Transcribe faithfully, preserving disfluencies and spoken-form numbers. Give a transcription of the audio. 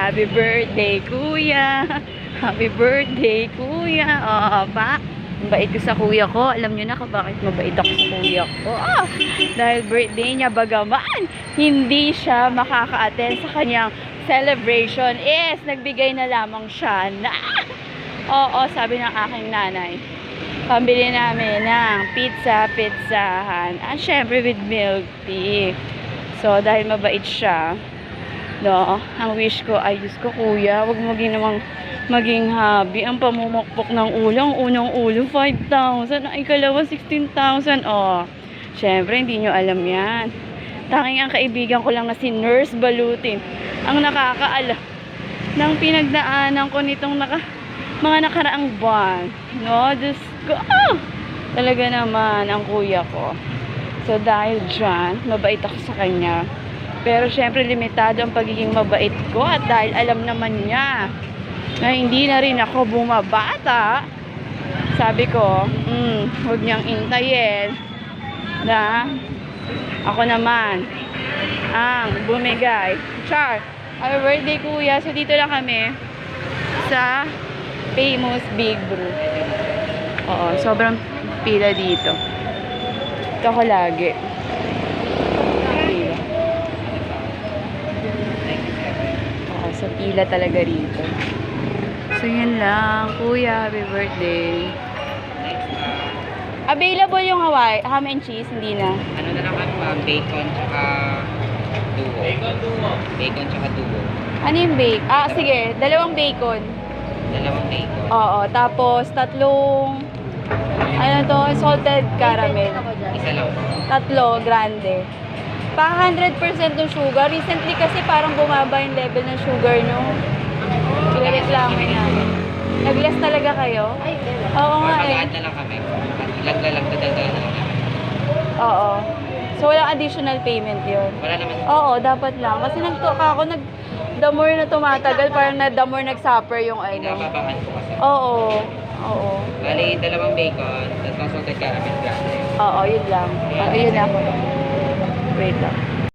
Happy birthday, kuya. Happy birthday, kuya. Oo, pa. Mabait ko sa kuya ko. Alam nyo na kung bakit mabait ako sa kuya ko. Ah, dahil birthday niya, bagaman hindi siya makaka-attend sa kanyang celebration. Yes, nagbigay na lamang siya na. Oo, sabi ng aking nanay. Pambili namin ng pizza, pizzahan. At syempre with milk tea. So, dahil mabait siya, no, ang wish ko ay, Diyos ko kuya, wag mo ginawang maging hobby ang pamumukpok ng ulo. Ang unang ulo five thousand, ang ikalawa sixteen thousand. Oh, syempre hindi nyo alam yan. Tanging ang kaibigan ko lang na si Nurse Balutin ang nakakaalam ng pinagdaanan ko nitong naka, mga nakaraang buwan, no. Diyos ko, oh, talaga naman ang kuya ko. So dahil dyan, mabait ako sa kanya. Pero syempre limitado ang pagiging mabait ko. At dahil alam naman niya na hindi na rin ako bumabata, sabi ko, hmm, huwag niyang intayin na ako naman ang bumigay. Char, happy birthday kuya. So dito lang kami sa Famous Big Brew. Oo, sobrang pila dito. Ito ko lagi. Pila. Oo, sa pila talaga rito. So, yun lang. Kuya, happy birthday. Available yung Hawaii, ham and cheese, hindi na. Ano na lang ano ba? Bacon tsaka duo. Bacon duo. Bacon tsaka duo. Ano yung bacon? Ah, sige. Dalawang bacon. Dalawang bacon. Oo. Tapos, tatlong, ano to, salted caramel. Isa lang. Tatlo, grande. Pa one hundred percent ng sugar. Recently kasi parang bumaba yung level ng sugar, no? Pinareklamo namin. Nag-less talaga kayo? Oo nga eh. Mag-add na lang kami. Ilag-lalag na dagdagan na lang kami. Oo. So, walang additional payment yun? Wala naman. Oo, dapat lang. Kasi nagtuka ako, nag, the more na tumatagal, parang na, the more nag-suffer yung ano. Nababaan ko kasi. Oo. Oo. Bali, dalawang bacon, tatlong salted caramel grande. Oo, yun lang. Ah, yun lang. Wait lang.